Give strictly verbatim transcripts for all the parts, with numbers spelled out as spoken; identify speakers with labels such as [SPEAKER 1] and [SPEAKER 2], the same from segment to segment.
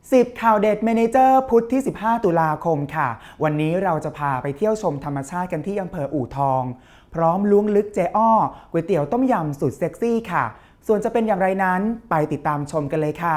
[SPEAKER 1] สิบข่าวเด็ดเมเนเจอร์พุธที่สิบห้าตุลาคมค่ะวันนี้เราจะพาไปเที่ยวชมธรรมชาติกันที่อำเภออู่ทองพร้อมล้วงลึกเจ๊อ้อก๋วยเตี๋ยวต้มยำสุดเซ็กซี่ค่ะส่วนจะเป็นอย่างไรนั้นไปติดตามชมกันเลยค่ะ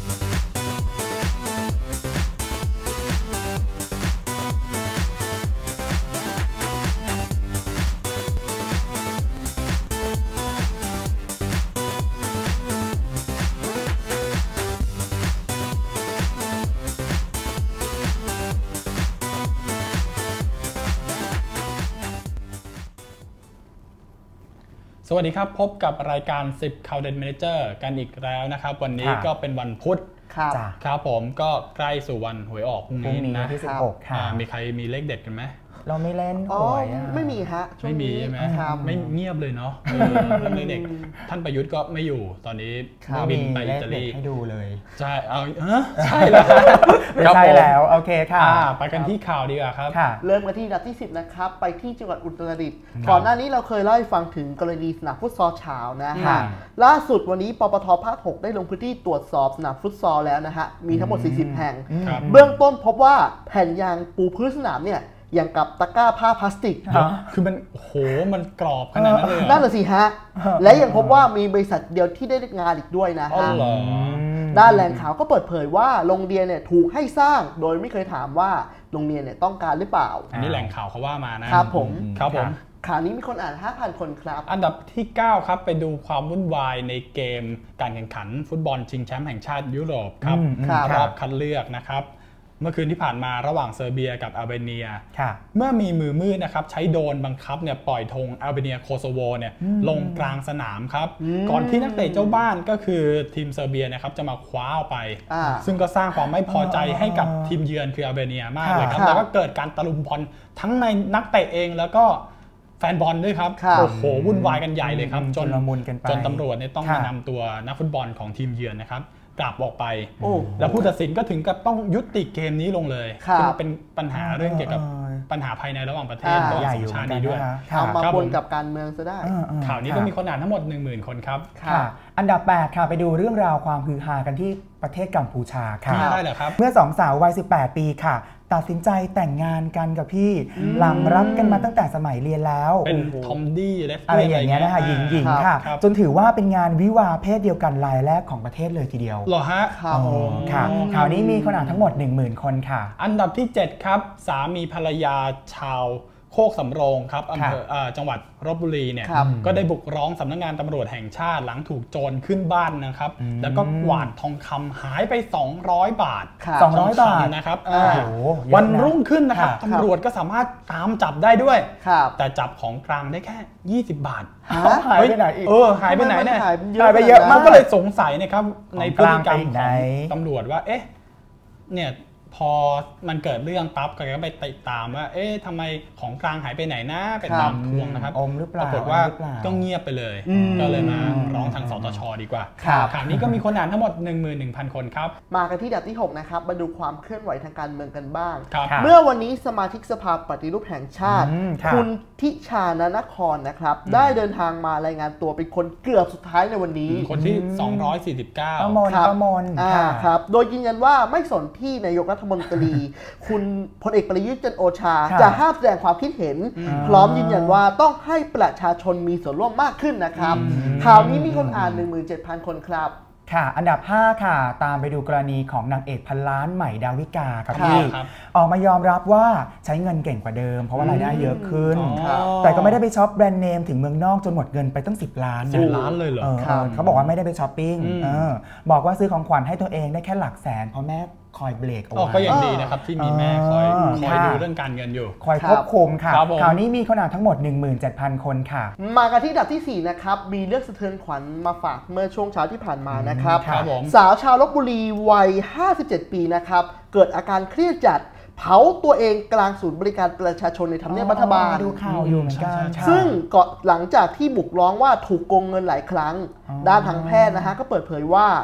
[SPEAKER 2] สวัสดีครับพบกับรายการสิบข่าวเด่นเมเนเจอร์กันอีกแล้วนะครับวันนี้ก็เป็นวันพุธครับครับผมก็ใกล้สู่วันหวยออกพรุ่งนี้นะ
[SPEAKER 1] ที่สิบหกค่ะ
[SPEAKER 2] มีใครมีเลขเด็ดกันไหม
[SPEAKER 1] เราไม่เล่นหวย
[SPEAKER 3] ไม่มีฮะ
[SPEAKER 2] ไม่มีใช่ไหมไม่เงียบเลยเนาะเรื่องเด็กท่านประยุทธ์ก็ไม่อยู่ตอนนี้บินไปอิตาลี
[SPEAKER 1] ให้ดูเลย
[SPEAKER 2] ใช่เอาใช่แล้ว
[SPEAKER 1] ใช่แล้วโอเคค่ะ
[SPEAKER 2] ไปกันที่ข่าวดีกว่าครับ
[SPEAKER 3] เริ่มกันที่อันดับที่สิบนะครับไปที่จังหวัดอุตรดิตถ์ก่อนหน้านี้เราเคยเล่าให้ฟังถึงกรณีสนามฟุตซอลเช้านะฮะล่าสุดวันนี้ปปท.ภาคหกได้ลงพื้นที่ตรวจสอบสนามฟุตซอลแล้วนะฮะมีทั้งหมดสี่สิบแห่งเบื้องต้นพบว่าแผ่นยางปูพื้นสนามเนี่ยอย่างกับตะกร้าผ้าพลาสติก
[SPEAKER 2] คือมันโหมันกรอบขนาดนั้นเลย
[SPEAKER 3] นั่นแหละสิฮะและยังพบว่ามีบริษัทเดียวที่ได้งานอีกด้วยนะฮะด้านแหล่งข่าวก็เปิดเผยว่าโรงเรียนเนี่ยถูกให้สร้างโดยไม่เคยถามว่าโรงเรียนเนี่ยต้องการหรือเปล่า
[SPEAKER 2] อันนี้แหล่งข่าวเขาว่ามานะครับ
[SPEAKER 3] ผม
[SPEAKER 2] ครับผม
[SPEAKER 3] ข่าวนี้มีคนอ่าน ห้าพัน คนครับ
[SPEAKER 2] อันดับที่เก้าครับไปดูความวุ่นวายในเกมการแข่งขันฟุตบอลชิงแชมป์แห่งชาติยุโรปครับรอบคัดเลือกนะครับเมื่อคืนที่ผ่านมาระหว่างเซอร์เบียกับอัลเบเนียเมื่อมีมือมืดนะครับใช้โดรนบังคับเนี่ยปล่อยธงอัลเบเนียโคโซโวเนี่ยลงกลางสนามครับก่อนที่นักเตะเจ้าบ้านก็คือทีมเซอร์เบียนะครับจะมาคว้าเอาไปซึ่งก็สร้างความไม่พอใจให้กับทีมเยือนคืออัลเบเนียมากเลยครับแล้วก็เกิดการตะลุมบอลทั้งในนักเตะเองแล้วก็แฟนบอลด้วยครับโอ้โหวุ่นวายกันใหญ่เลยครับจนจนตำรวจเนี่ยต้องมานำตัวนักฟุตบอลของทีมเยือนนะครับกลับออกไปแล้วผู้ตัดสินก็ถึงกับต้องยุติเกมนี้ลงเลยซึ่งเป็นปัญหาเรื่องเกี่ยวกับปัญหาภายในระหว่างประเทศระหว่างสองชาตินี้ด้วย
[SPEAKER 3] เอามาปนกับการเมืองซะได้
[SPEAKER 2] ข่าวนี้ก็มีคนอ่านทั้งหมด หนึ่งหมื่น คนครับ
[SPEAKER 1] อันดับแปดค่ะไปดูเรื่องราวความฮือฮากันที่ประเทศกัมพูชาค่ะ
[SPEAKER 2] ได้เหรอครับ
[SPEAKER 1] เมื่อสองสาววัยสิบแปดปีค่ะตัดสินใจแต่งงานกันกับพี่หลังรักกันมาตั้งแต่สมัยเรียนแล้ว
[SPEAKER 2] เป็นทอมดี้
[SPEAKER 1] อะไรอย่างเงี้ยนะคะหญิงหญิงค่ะจนถือว่าเป็นงานวิวาเพศเดียวกันรายแรกของประเทศเลยทีเดียว
[SPEAKER 2] เหรอฮะ
[SPEAKER 1] ค่ะข่าวนี้มีคนอ่านทั้งหมด หนึ่งหมื่น คนค่ะ
[SPEAKER 2] อันดับที่เจ็ดครับสามีภรรยาชาวโคกสำโรงครับอำเภอจังหวัดลพบุรีเนี่ยก็ได้บุกร้องสำนักงานตำรวจแห่งชาติหลังถูกโจรขึ้นบ้านนะครับแล้วก็กวาดทองคำหายไปสองร้อยบาท
[SPEAKER 1] สองร้อยบาท
[SPEAKER 2] นะครับวันรุ่งขึ้นนะครับตำรวจก็สามารถตามจับได้ด้วยแต่จับของกลางได้แค่ยี่สิบบาท
[SPEAKER 1] หายไปไหนอีก
[SPEAKER 2] เออหายไปไหนเนี่ย
[SPEAKER 1] หายไปเยอะมาก
[SPEAKER 2] ก็เลยสงสัยนะครับในพฤติกรรมของตำรวจว่าเอ๊ะเนี่ยพอมันเกิดเรื่องปั๊บก็ไปติดตามว่าเอ๊ะทำไมของกลางหายไปไหนนะไปตามทวงนะครับ
[SPEAKER 1] อมหรือเปล่า
[SPEAKER 2] ปรากฏว่าก็เงียบไปเลยก็เลยมาร้องทางสตช.ดีกว่าข่าวนี้ก็มีคนอ่านทั้งหมด หนึ่งหมื่นหนึ่งพัน คนครับ
[SPEAKER 3] มากันที่อันดับที่หกนะครับมาดูความเคลื่อนไหวทางการเมืองกันบ้างเมื่อวันนี้สมาชิกสภาปฏิรูปแห่งชาติคุณทิชานนครนะครับได้เดินทางมารายงานตัวเป็นคนเกือบสุดท้ายในวันนี้
[SPEAKER 2] คนที่สองร้อยสี่สิบเก้า
[SPEAKER 1] ประมวลประมวล
[SPEAKER 3] ครับโดยยืนยันว่าไม่สนที่นายกรัฐมนตรีคุณพลเอกประยุทธ์จันทร์โอชาจะห้ามแสดงความคิดเห็นพร้อมยืนยันว่าต้องให้ประชาชนมีส่วนร่วมมากขึ้นนะครับข่าวนี้มีคนอ่าน หนึ่งหมื่นเจ็ดพัน คนครับ
[SPEAKER 1] ค่ะอันดับห้าค่ะตามไปดูกรณีของนางเอกพันล้านใหม่ดาวิกาครับพี่ออกมายอมรับว่าใช้เงินเก่งกว่าเดิมเพราะว่ารายได้เยอะขึ้นแต่ก็ไม่ได้ไปช็อปแบรนด์เนมถึงเมืองนอกจนหมดเงินไปตั้งสิบล้าน
[SPEAKER 2] สิบล้านเลยเหรอ
[SPEAKER 1] เขาบอกว่าไม่ได้ไปช้อปปิ้งบอกว่าซื้อของขวัญให้ตัวเองได้แค่หลักแสนเพราะแม่คอยเบรกเอาไว้
[SPEAKER 2] ก็ยังดีนะครับที่มีแม่คอยคอยดูเรื่องการเงินอยู่
[SPEAKER 1] คอยควบคุมค่ะข่าวนี้มีคนอ่านทั้งหมด หนึ่งหมื่นเจ็ดพัน คนค่ะ
[SPEAKER 3] มากันที่อันดับที่สี่นะครับมีเรื่องสะเทือนขวัญมาฝากเมื่อช่วงเช้าที่ผ่านมานะครับสาวชาวลพบุรีวัยห้าสิบเจ็ดปีนะครับเกิดอาการเครียดจัดเผาตัวเองกลางศูนย์บริการประชาชนในทำเนียบรัฐบาล
[SPEAKER 1] ดูข่าวอยู่เหมือนกัน
[SPEAKER 3] ซึ่งก็หลังจากที่บุกร้องว่าถูกโกงเงินหลายครั้งด้านทางแพทย์นะฮะก็เปิดเผยว่า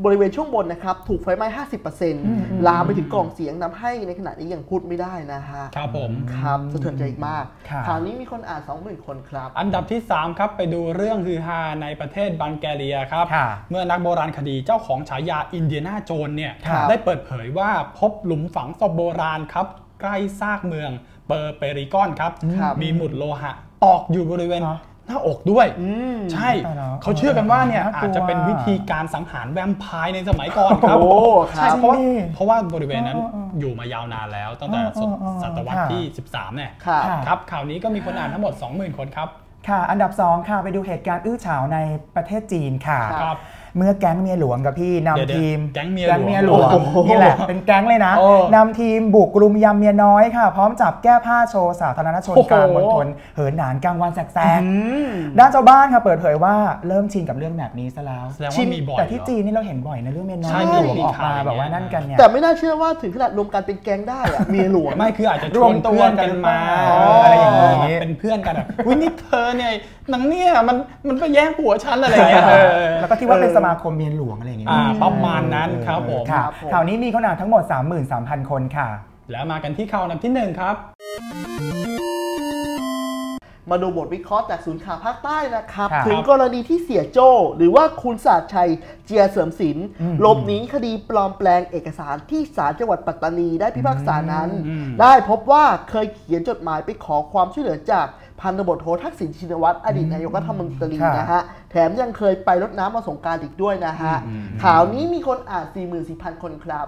[SPEAKER 3] บริเวณช่วงบนนะครับถูกไฟไหม้ ห้าสิบเปอร์เซ็นต์ ลามไปถึงกล่องเสียงทำให้ในขณะนี้ยังพูดไม่ได้นะฮะ
[SPEAKER 2] ครับผม
[SPEAKER 3] ครับสะเทือนใจมากข่าวนี้มีคนอ่าน สองหมื่น คนครับ
[SPEAKER 2] อันดับที่สามครับไปดูเรื่องฮือฮาในประเทศบัลแกเรียครับเมื่อนักโบราณคดีเจ้าของฉายาอินเดียนาโจนเนี่ยได้เปิดเผยว่าพบหลุมฝังศพโบราณครับใกล้ซากเมืองเปอร์เปริกอนครับมีหมุดโลหะตอกอยู่บริเวณหน้าอกด้วยใช่เขาเชื่อกันว่าเนี่ยอาจจะเป็นวิธีการสังหารแวมไพร์ในสมัยก่อนครับใช่เพราะเพราะว่าบริเวณนั้นอยู่มายาวนานแล้วตั้งแต่ศตวรรษที่สิบสามเนี่ยครับข่าวนี้ก็มีคนอ่านทั้งหมด สองหมื่น คนครับ
[SPEAKER 1] ค่ะอันดับสองค่ะไปดูเหตุการณ์อื้อฉาวในประเทศจีนค่ะเมื่อแก๊งเมียหลวงกับพี่นำทีม
[SPEAKER 2] แก๊งเมีย
[SPEAKER 1] หลวงนี่แหละเป็นแก๊งเลยนะนำทีมบุกรุมยำเมียน้อยค่ะพร้อมจับแก้ผ้าโชว์สาธารณชนกลางมณฑลเหินหนานกลางวันแสกๆด้านชาวบ้านค่ะเปิดเผยว่าเริ่มชินกับเรื่องแบบนี้ซะแล้วแต่ที่จีนนี่เราเห็นบ่อยนะเรื่องเมียน้อยหลวงออกมาแบบว่านั่นกันเนี่ย
[SPEAKER 3] แต่ไม่น่าเชื่อว่าถึงขนาดรวมกันเป็นแก๊งได้อะเมียหลวง
[SPEAKER 2] ไม่คืออาจจะรวมตัวกันมาอะไรอย่างนี้เป็นเพื่อนกันอ่ะวินิเธอเนี่ยนังเนี่ยมันมันไปแย่งผัวฉันอะไรอย่างเงี้ย
[SPEAKER 1] แล้วก็ที่ว่าเป็นสมาคมเมียหลวงอะไรอย่างเงี้ย
[SPEAKER 2] ประมาณนั้นครับผม
[SPEAKER 1] ข่าวนี้มีคนอ่านทั้งหมด สามหมื่นสามพัน คนค่ะ
[SPEAKER 2] แล้วมากันที่ข่าวอันดับที่หนึ่งครับ
[SPEAKER 3] มาดูบทวิเคราะห์จากศูนย์ข่าวภาคใต้นะครับถึงกรณีที่เสียโจ้หรือว่าคุณศาสตร์ชัยเจียเสริมศิลป์หลบหนีคดีปลอมแปลงเอกสารที่ศาลจังหวัดปัตตานีได้พิพากษานั้นได้พบว่าเคยเขียนจดหมายไปขอความช่วยเหลือจากพันตำรวจโททักษิณชินวัตรอดีตนายกรัฐมนตรีนะฮะแถมยังเคยไปรดน้ำมาสงกรานต์อีกด้วยนะฮะข่าวนี้มีคนอ่าน สี่หมื่นสี่พัน คนครับ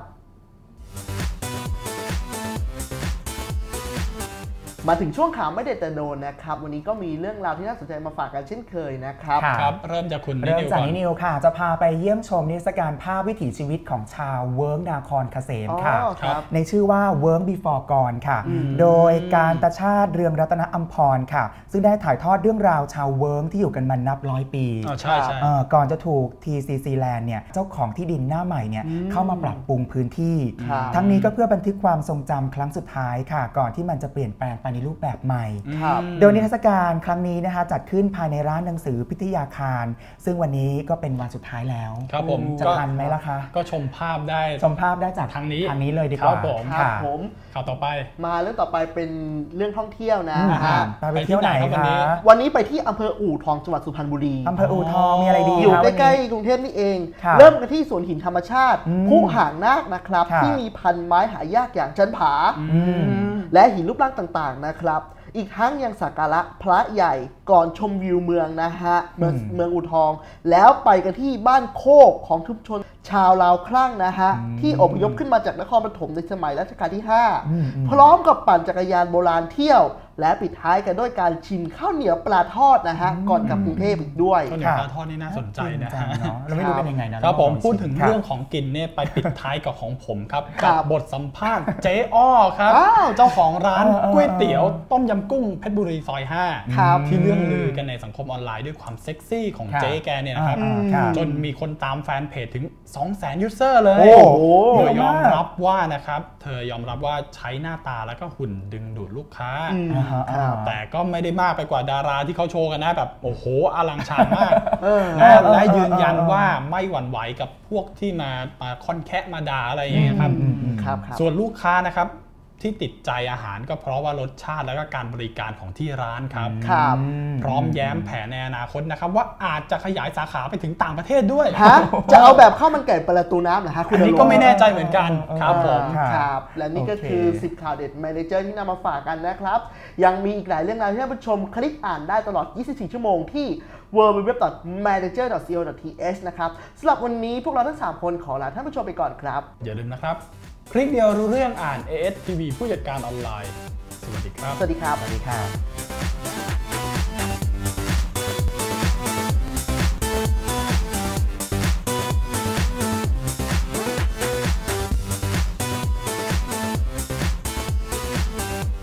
[SPEAKER 3] มาถึงช่วงข่าวไม่เด็ดแต่โดนนะครับวันนี้ก็มีเรื่องราวที่น่าสนใจมาฝากกันเช่นเคยนะครับ
[SPEAKER 2] ครับเริ่มจากคุณ
[SPEAKER 1] เริ่มจากนินิวค่ะจะพาไปเยี่ยมชมนิทรรศการภาพวิถีชีวิตของชาวเวิร์กนาครเกษมค่ะในชื่อว่า Work Before Gone ค่ะโดยการตชาติเรืองรัตนอัมพรค่ะซึ่งได้ถ่ายทอดเรื่องราวชาวเวิร์กที่อยู่กันมานับร้อยปี
[SPEAKER 2] ใช่ใช่
[SPEAKER 1] ก่อนจะถูก ที ซี ซี Land เนี่ยเจ้าของที่ดินหน้าใหม่เนี่ยเข้ามาปรับปรุงพื้นที่ทั้งนี้ก็เพื่อบันทึกความทรงจำครั้งสุดท้ายค่ะก่อนที่มันจะเปลี่ยนแปลงไปในรูปแบบใหม่โดยนิทรรศการครั้งนี้นะคะจัดขึ้นภายในร้านหนังสือพิทยาคารซึ่งวันนี้ก็เป็นวันสุดท้ายแล้ว
[SPEAKER 2] ครับผม
[SPEAKER 1] จะทันไหมล่ะคะ
[SPEAKER 2] ก็ชมภาพได้
[SPEAKER 1] ชมภาพได้จาก
[SPEAKER 2] ทางนี้
[SPEAKER 1] ทางนี้เลยดีกว่า
[SPEAKER 2] ผม
[SPEAKER 3] ครับผม
[SPEAKER 2] ข่าวต่อไป
[SPEAKER 3] มาเรื่องต่อไปเป็นเรื่องท่องเที่ยวนะ
[SPEAKER 1] ไปเที่ยวไหนคะ
[SPEAKER 3] วันนี้ไปที่อำเภออู่ทองจังหวัดสุพรรณบุรี
[SPEAKER 1] อำเภออู่ทองมีอะไรดี
[SPEAKER 3] อยู่ใกล้ๆกรุงเทพนี่เองเริ่มกันที่สวนหินธรรมชาติผู้ห่างนาคนะครับที่มีพันไม้หายากอย่างจันผาและหินรูปร่างต่างๆนะครับอีกทั้งยังสักการะพระใหญ่ก่อนชมวิวเมืองนะฮะเมืองเมืองอู่ทองแล้วไปกันที่บ้านโคกของชุมชนชาวลาวคลั่งนะฮะที่อพยพขึ้นมาจากนครปฐมในสมัยรัชกาลที่ห้าพร้อมกับปั่นจักรยานโบราณเที่ยวและปิดท้ายกันด้วยการชิมข้าวเหนียวปลาทอดนะฮะก่อนกลับกรุงเทพอีกด้วย
[SPEAKER 2] ข้าวเหนียวปลาทอดนี่น่าสนใจนะฮะ
[SPEAKER 1] เราไม่รู้เป็นยังไง
[SPEAKER 2] นะครับผมพูดถึงเรื่องของกินเนี่ยไปปิดท้ายกับของผมครับกับบทสัมภาษณ์เจ๊อ้อครับเจ้าของร้านก๋วยเตี๋ยวต้มยำกุ้งเพชรบุรีซอยห้าที่เรื่องลือกันในสังคมออนไลน์ด้วยความเซ็กซี่ของเจ๊แกเนี่ยนะครับจนมีคนตามแฟนเพจถึง สองแสน ยูเซอร์เลยโดยยอมรับว่านะครับเธอยอมรับว่าใช้หน้าตาแล้วก็หุ่นดึงดูดลูกค้าแต่ก็ไม่ได้มากไปกว่าดาราที่เขาโชว์กันนะแบบโอ้โหอลังชานมากและยืนยันว่าไม่หวั่นไหวกับพวกที่มามาค่อนแคะมาด่าอะไรอย่างเงี้ยครับส่วนลูกค้านะครับที่ติดใจอาหารก็เพราะว่ารสชาติและก็การบริการของที่ร้านครับพร้อมแย้มแผนในอนาคตนะครับว่าอาจจะขยายสาขาไปถึงต่างประเทศด้วย
[SPEAKER 3] จะเอาแบบข้าวมันไก่ประตูน้ำเหรอฮะ
[SPEAKER 2] คุณอันนี้ก็ไม่แน่ใจเหมือนกันครับผม
[SPEAKER 3] ครับและนี่ก็คือสิบข่าวเด็ดแมเนเจอร์ที่นำมาฝากกันนะครับยังมีอีกหลายเรื่องราวที่ท่านผู้ชมคลิกอ่านได้ตลอดยี่สิบสี่ชั่วโมงที่ ดับเบิลยู ดับเบิลยู ดับเบิลยู ดอท แมเนเจอร์ ดอท ซี โอ ดอท ที เอช นะครับสำหรับวันนี้พวกเราทั้งสามคนขอลาท่านผู้ชมไปก่อนครับ
[SPEAKER 2] อย่าลืมนะครับคลิกเดียวรู้เรื่องอ่าน เอ เอส ที วี ผู้จัดการออนไลน์สวัสดีครับ
[SPEAKER 3] สวัสดีครับ
[SPEAKER 1] สวัสดีครับ